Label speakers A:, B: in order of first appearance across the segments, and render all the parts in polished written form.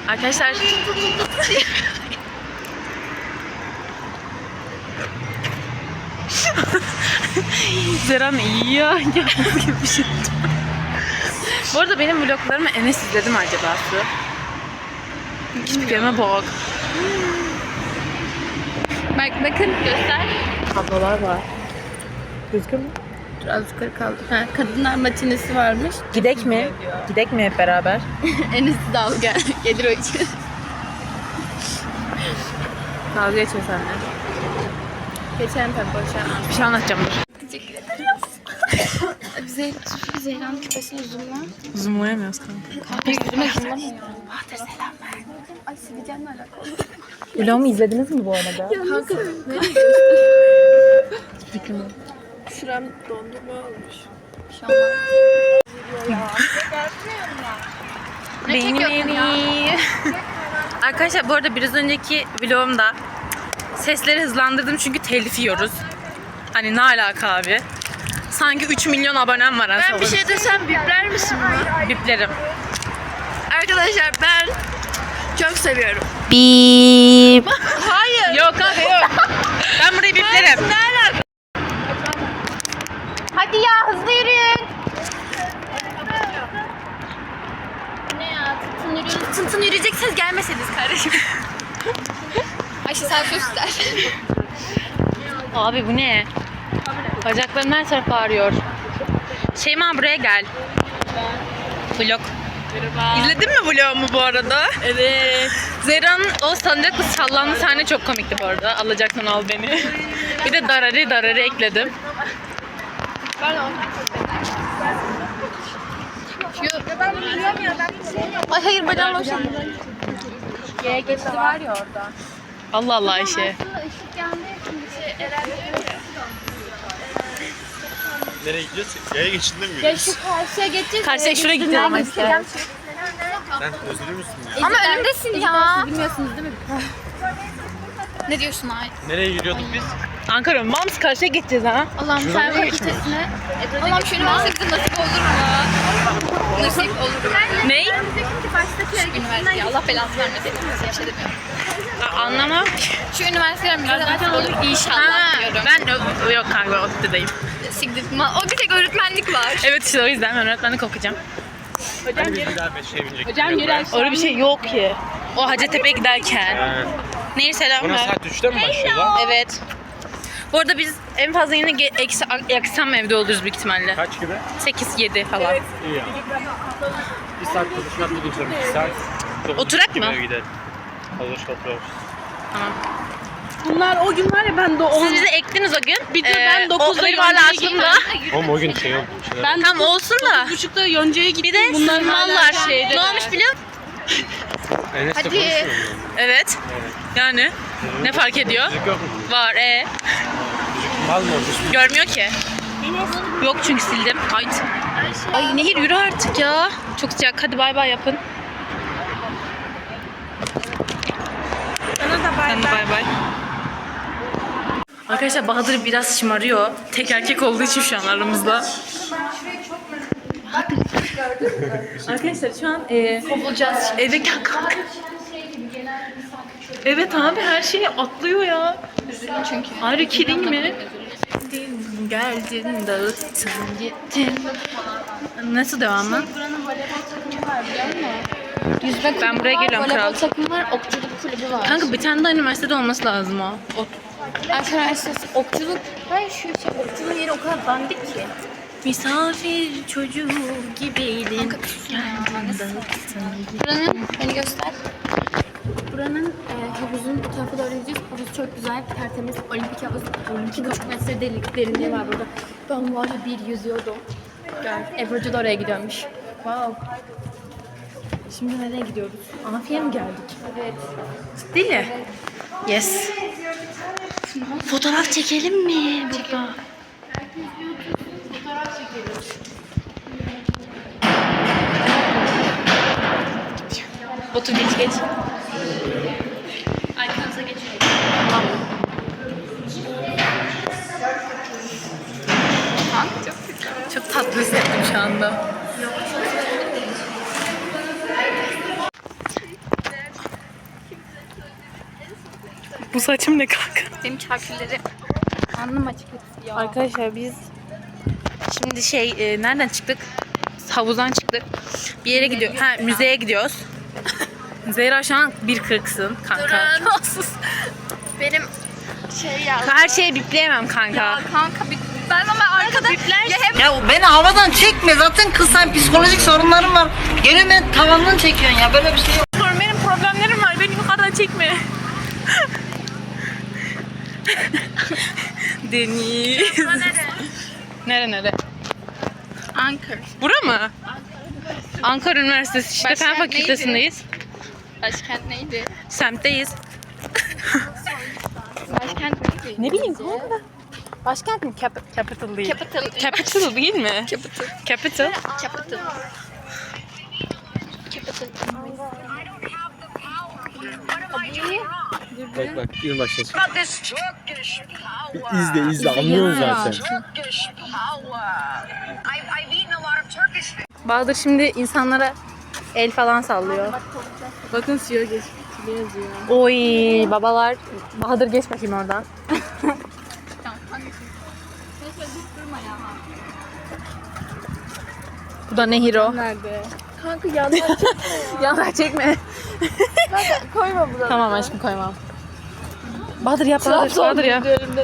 A: Arkadaşlar Zeren iyi ya. Yalnız gibi bir şey. Bu arada benim vloglarımı Enes izledi mi acaba Su? Hiçbirime bak.
B: Bakın göster.
A: Tablolar var. Gözüküyor mu?
B: Biraz yukarı kaldı. Ha, kadınlar matinesi varmış.
A: Gidek mi? Gidek mi hep beraber?
B: Enes'i de al gel. Gelir o için.
A: Kavga geçme seninle.
B: Geçelim tabii boşver.
A: Bir şey anlatacağım dur.
B: Teşekkür ederim. Zehra'nın küpesini zoomla.
A: Zoomlayamıyoruz kanka.
B: Kahve yüzüme zoomlamıyor. Bahadır selam ver. Ay sileceğimle alakalı.
A: Vlogumu izlediniz mi bu arada?
B: Kanka nereye
A: Fikrim yok.
B: Şuram dondurma olmuş.
A: Beni. Arkadaşlar bu arada biraz önceki vlogumda sesleri hızlandırdım çünkü telif yiyoruz. Hani ne alaka abi? Sanki 3 milyon abonem var.
B: Ben bir şey desem bipler misin bunu?
A: Biplerim.
B: Arkadaşlar ben çok seviyorum.
A: Bip.
B: Hayır.
A: Yok abi yok. Ben burayı biplerim.
B: Hadi ya hızlı yürüyün. Ne ya tın yürüyecekseniz gelmeseydiniz kardeşim. Ayşe sen göster.
A: Abi bu ne? Bacaklarım her tarafı ağrıyor. Şeyma buraya gel. Vlog. İzledin mi vlogumu bu arada?
B: Evet.
A: Zehra'nın o salıncakla sallandığı sahne çok komikti bu arada. Alacaksan al beni. Bir de dararı ekledim.
B: Ay hayır bacağım boşaldı. Yere geçti var ya orada.
A: Allah Allah Ayşe.
B: Işık yandı ya şimdi
C: Nereye gidiyoruz? Yaya geçidinde mi
B: Ya
C: yürüyoruz?
B: şu karşıya geçeceğiz.
A: Karşıya şuraya gideceğiz ama işte.
C: Sen özürlü müsün?
B: Ama önümdesin ya. Bilmiyorsunuz değil mi? Ne diyorsun ay?
C: Nereye yürüyorduk biz?
A: Ankara Mams karşıya gideceğiz ha.
B: Allah'ım sen fakültesine. Allah'ım şu üniversitede nasip olur mu? Nasip olur.
A: Ney?
B: Şu üniversiteye Allah belasını vermesin. Bir şey demiyorum.
A: Anlamam.
B: Şu üniversiteler bize nasip olur inşallah diyorum.
A: Ben yok kanka ODTÜ'deyim.
B: O bir tek öğretmenlik var.
A: Evet işte o yüzden ben öğretmenlik okuyacağım.
C: Ben bir daha 5'e binecektim.
B: Hocam yürü aşağı.
A: Öyle bir şey yok ki. O Hacettepe'ye giderken. Neyse selam
C: Buna
A: ver.
C: saat 3'te mi başlıyor lan?
A: Evet. Bu arada biz en fazla yine eksi akşam evde oluruz büyük ihtimalle.
C: Kaç gibi?
A: 8-7 falan.
C: İyi ya. Bir saat konuşmak bulacağım. 2 saat.
A: Oturak mı?
C: Eve gidelim. Olur otururuz.
A: Tamam.
D: Bunlar o gün var ya ben de
A: Siz bizi ektiniz o gün.
D: Bir de ben 9'da
A: o benim hala
D: Yonca'ya
A: aklımda.
C: Oğlum o gün şey oldu.
D: ben
A: Tam olsun da.
D: 9.30'da Yonca'ya gittim.
A: Bir de
D: bunlar
A: mallar
D: şeyde.
A: Ne olmuş biliyor musun?
C: Enes'le konuşmuyor mu?
A: Evet. Yani ne fark ediyor?
C: Müzik yok mu?
A: Var
C: Mal mı olmuş?
A: Görmüyor ki. Yok çünkü sildim. Ay Nehir yürü artık ya. Çok sıcak. Hadi bay bay yapın. Sen de bay bay. Arkadaşlar Bahadır biraz şımarıyor. Tek erkek olduğu için şu an aramızda. Arkadaşlar şu an kovulacağız. Eve gel kalk. Evet abi her şeyi atlıyor ya.
B: Çünkü.
A: Are you kidding me? Geldin dağıttın gittin. Nasıl devamı?
B: Buranın voleybol takımı var biliyor musun? Yüzme kulübü
A: Ben buraya
B: var,
A: geliyorum, kral.
B: voleybol takımı var, okçuluk kulübü var.
A: Kanka bir tane daha üniversitede olması lazım o.
B: Arkadaşlar okçuluk, ben şu okçuluğun yeri o kadar dandik ki.
A: Misafir çocuğu gibiydin. Geldin dağıttın.
B: Buranın, beni göster. Buranın havuzun bu tarafa doğru gideceğiz. Havuz çok güzel, tertemiz, olimpik havuz. 2,5 metre derinliği var burada. Ben var ya bir yüzüyordum. Gel, Ebru'cu da oraya gidiyormuş. Wow.
A: Şimdi nereye gidiyoruz? Afiye mi geldik?
B: Evet.
A: Ciddi mi? Yes. Fotoğraf çekelim mi burada?
B: Fotoğraf çekelim.
A: Otur geç.
B: Arkanıza geçelim.
A: Çok tatlı hissettim şu anda. Bu saçım ne kanka?
B: Benim çarkülleri alnım açık ya.
A: Arkadaşlar biz şimdi nereden çıktık? Havuzdan çıktık. Bir yere gidiyor. Ha, müzeye gidiyoruz. Zehra şu an 1.40'sın kanka.
B: Benim ya.
A: Her şeyi bipleyemem kanka.
B: Kanka ben ama arkada ya hep
E: Ya beni havadan çekme, zaten kızsan psikolojik sorunlarım var. Gene ben tavandan çekiyorsun ya, böyle bir şey yok.
A: Benim problemlerim var. Beni yukarıdan çekme. Deniz. Nere?
B: Ankara.
A: Bura mı? Ankara Üniversitesi işte
B: Başkent
A: Fen Fakültesindeyiz.
B: Başkent neydi?
A: Semtteyiz.
B: Başkent neydi?
A: Ne bileyim kanka. Başkent mi? Capital değil.
B: Capital.
A: Capital değil mi?
B: Capital.
A: Capital.
B: Capital. Capital.
C: Bak yıl başlasın. İzle anlıyorsun zaten.
A: Bahadır şimdi insanlara el falan sallıyor.
D: Bakın suya geç. Ne yazıyor?
A: Oy babalar. Bahadır geç bakayım oradan. Bu da Nehiro.
D: Nerede?
B: Kanka yandan
A: Yanlar çekme.
B: koyma bunu.
A: Tamam aşkım koymam. Bahadır yap Bahadır. Bahadır yap.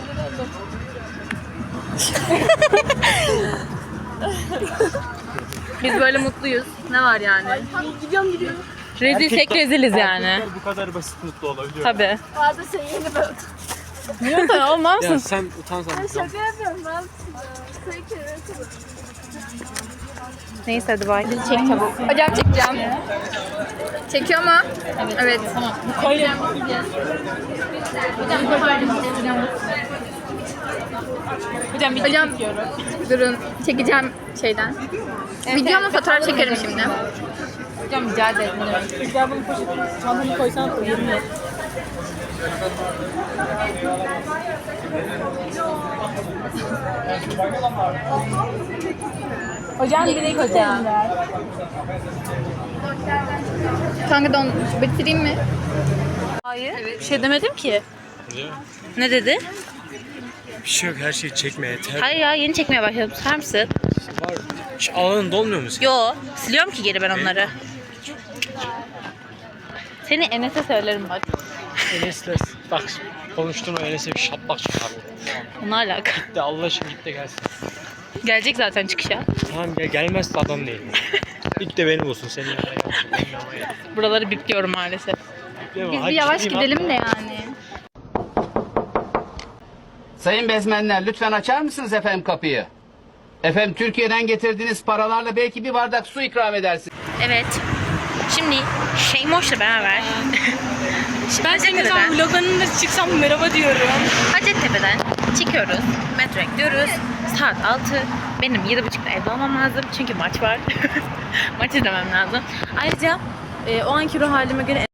A: Biz böyle mutluyuz. Ne var yani?
B: Gidiyorum.
A: Rezilsek reziliz yani.
C: Erkekler bu kadar basit mutlu olabiliyor.
A: Tabii.
B: Bazen sen yeni böyle
A: Niye sen olmaz
C: Ya
A: mısın?
C: sen utansan.
B: şaka yapıyorum ben.
A: Neyse hadi bay.
B: Çek çabuk. Hocam çekeceğim. Çekiyor mu? Evet.
A: Tamam. Koy. Hocam video
B: Hocam
A: çekiyorum.
B: durun. Çekeceğim şeyden. Video mu fotoğraf çekerim şimdi.
A: Hocam rica ederim.
D: Gel bunu poşetine. Çantanı koysan da yerim yok.
A: Hocam direkt hocam.
B: Kanka don bitireyim mi?
A: Hayır. Bir şey demedim ki. Ne dedi?
C: Bir şey yok, her şeyi çekme yeter.
A: Hayır ya yeni çekmeye başladım. Tutar mısın?
C: Var. Hiç alanın dolmuyor mu senin?
A: Yo. Siliyorum ki geri ben onları. Seni Enes'e söylerim bak.
C: Enes'le bak konuşturma, Enes'e bir şaplak çıkar.
A: Ne alaka?
C: De Allah aşkına git de gelsin.
A: Gelecek zaten çıkışa.
C: Tamam ya, gelmezse adam değil. İlk de beni bulsun, senin yanına gelsin. Benim yanıma gel.
A: Buraları bipliyorum maalesef.
C: Değil mi?
B: Biz
C: Hadi
B: bir yavaş
C: gideyim,
B: gidelim
C: atma.
B: de yani.
F: Sayın bezmenler, lütfen açar mısınız efendim kapıyı? Efendim, Türkiye'den getirdiğiniz paralarla belki bir bardak su ikram edersiniz.
A: Evet. Şimdi Şeymoş'la beraber
D: Ben senin zaman vloglarında çıksam merhaba diyorum.
A: Hacettepe'den çıkıyoruz. Metroya gidiyoruz. Saat 6. Benim 7.30'da evde olmam lazım. Çünkü maç var. Maç izlemem lazım. Ayrıca o anki ruh halime göre